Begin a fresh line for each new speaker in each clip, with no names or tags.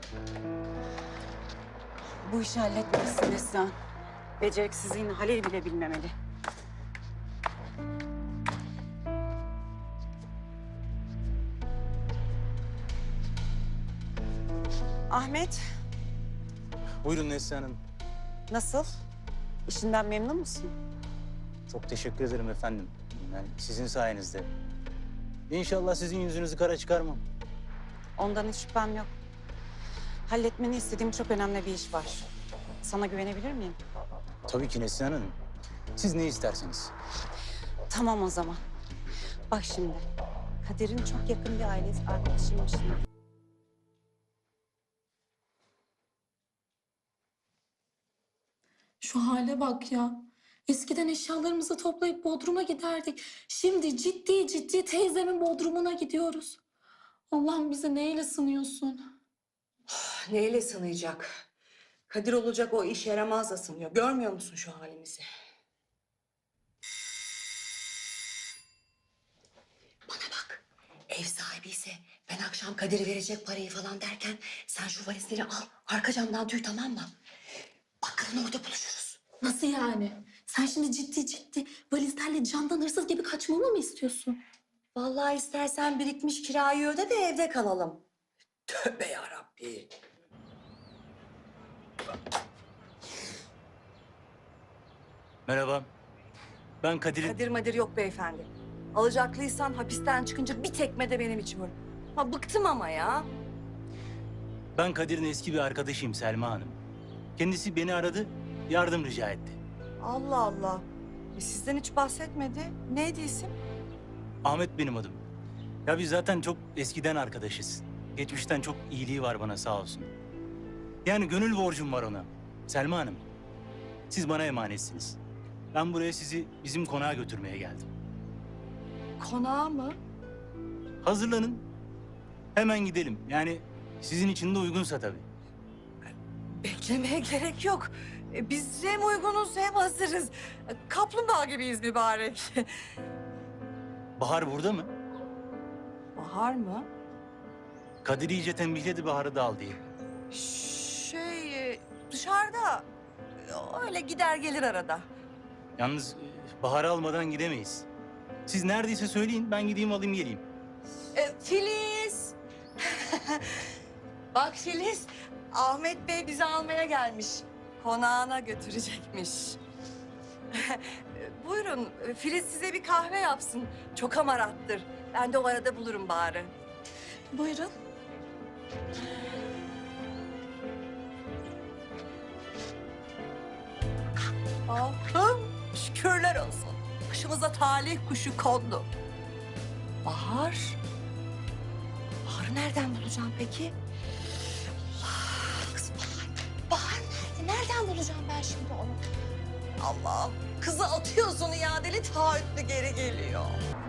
Bu işi halletmelisin Neslihan. Beceriksizliğini Halil bile bilmemeli. Ahmet,
Buyurun Neslihan Hanım.
nasıl? İşinden memnun musun?
Çok teşekkür ederim efendim. Yani sizin sayenizde. İnşallah sizin yüzünüzü kara çıkarmam.
Ondan hiç şüphem yok. Halletmeni istediğim çok önemli bir iş var. Sana güvenebilir miyim?
Tabii ki Neslihan Hanım. Siz ne isterseniz.
Tamam o zaman. Bak şimdi, Kadir'in çok yakın bir ailesi arkadaşıymış.
Şu hale bak ya. Eskiden eşyalarımızı toplayıp Bodrum'a giderdik. Şimdi ciddi ciddi teyzemin Bodrum'una gidiyoruz. Allah'ım bize neyle sınıyorsun?
Neyle sınayacak? Kadir olacak o iş yaramaz da sınıyor. Görmüyor musun şu halimizi? Bana bak. Ev sahibi ise ben akşam Kadir'e verecek parayı falan derken sen şu valizleri al. Arka camdan tüy, tamam mı? Bakkalın orada buluşuruz.
Nasıl yani? Sen şimdi ciddi ciddi valizlerle camdan hırsız gibi kaçmamı mı istiyorsun?
Vallahi istersen birikmiş kirayı öde de evde kalalım. Tövbe yarabbi.
Merhaba. Ben Kadir'in...
Kadir madir yok beyefendi. Alacaklıysan hapisten çıkınca bir tekme de benim için vur. Ha bıktım ama ya.
Ben Kadir'in eski bir arkadaşıyım Selma Hanım. Kendisi beni aradı, yardım rica etti.
Allah Allah. Sizden hiç bahsetmedi. Neydi isim?
Ahmet benim adım. Ya biz zaten çok eskiden arkadaşız. Geçmişten çok iyiliği var bana sağ olsun. Yani gönül borcum var ona. Selma Hanım, siz bana emanetsiniz. Ben buraya sizi bizim konağa götürmeye geldim.
Konağı mı?
Hazırlanın. Hemen gidelim. Yani sizin için de uygunsa tabii.
Beklemeye gerek yok. Biz hem uygunuz hem hazırız. Kaplumbağa gibiyiz mübarek.
Bahar burada mı?
Bahar mı?
Kadir iyice tembihledi Bahar'ı da al diye.
Dışarıda. Öyle gider gelir arada.
Yalnız Bahar'ı almadan gidemeyiz. Siz neredeyse söyleyin, ben gideyim alayım geleyim.
Filiz. Bak Filiz, Ahmet Bey bizi almaya gelmiş. Konağına götürecekmiş. Buyurun, Filiz size bir kahve yapsın. Çok hamarattır. Ben de o arada bulurum bari.
Buyurun.
Allah'ım şükürler olsun. Başımıza talih kuşu kondu. Bahar? Bahar'ı nereden bulacağım peki? Allah, kız Bahar. Bahar nerede? Nereden bulacağım ben şimdi onu? Allah, kızı atıyorsun iadeli taahhütlü geri geliyor.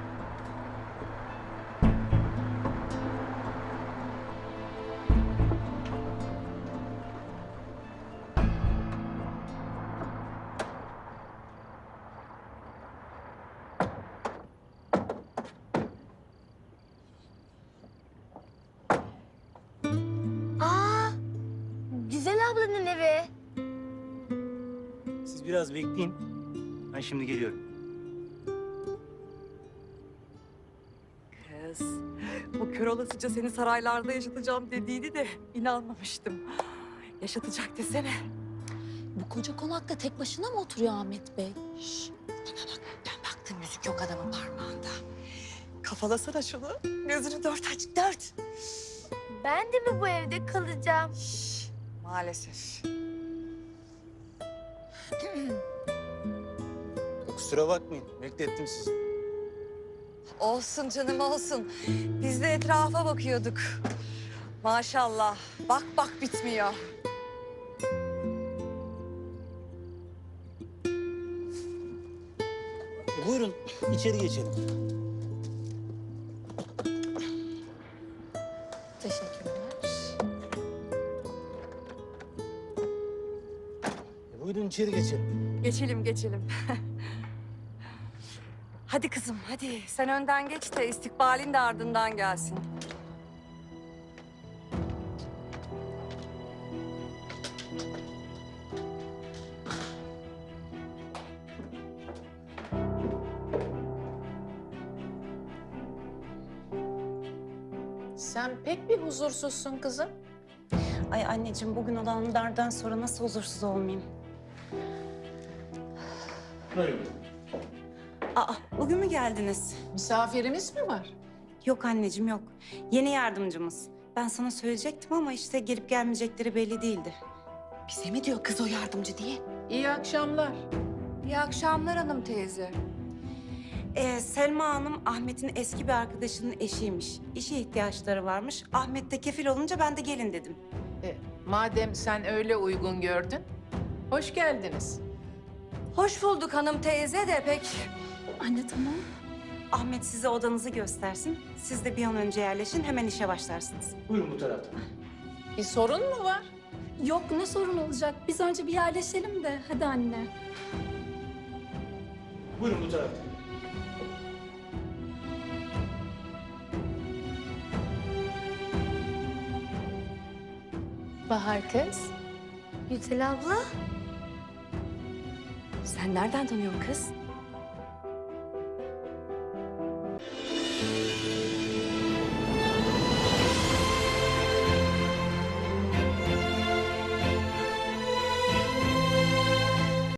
Aa, Güzel ablanın evi.
Siz biraz bekleyin. Ben şimdi geliyorum.
Kız, bu kör olasıca seni saraylarda yaşatacağım dediğini de inanmamıştım. Yaşatacak desene.
Bu koca konakta tek başına mı oturuyor Ahmet Bey?
Bana bak, ben baktım müzik yok adamın parmağında. Kafalasana şunu. Gözünü dört aç, dört.
Ben de mi bu evde kalacağım?
Maalesef.
Kusura bakmayın, beklettim sizi.
Olsun canım olsun. Biz de etrafa bakıyorduk. Maşallah. Bak bak bitmiyor.
Buyurun, içeri geçelim.
Teşekkürler.
Buyurun içeri geçelim.
Geçelim geçelim. Hadi kızım hadi. Sen önden geç de istikbalin de ardından gelsin.
Sen pek bir huzursuzsun kızım.
Ay anneciğim bugün olanlardan sonra nasıl huzursuz olmayayım?
Buyurun.
Aa bugün mü geldiniz?
Misafirimiz mi var?
Yok anneciğim yok. Yeni yardımcımız. Ben sana söyleyecektim ama işte gelip gelmeyecekleri belli değildi.
Bize mi diyor kız o yardımcı diye?
İyi akşamlar.
İyi akşamlar hanım teyze.
Selma Hanım Ahmet'in eski bir arkadaşının eşiymiş. İşe ihtiyaçları varmış. Ahmet de kefil olunca ben de gelin dedim.
Madem sen öyle uygun gördün, hoş geldiniz.
Hoş bulduk hanım teyze de pek.
Anne tamam.
Ahmet size odanızı göstersin. Siz de bir an önce yerleşin hemen işe başlarsınız.
Buyurun bu tarafta.
Bir sorun mu var?
Yok ne sorun olacak? Biz önce bir yerleşelim de. Hadi anne.
Buyurun bu tarafta.
Bahar kız. Yücel abla.
Sen nereden tanıyorsun kız?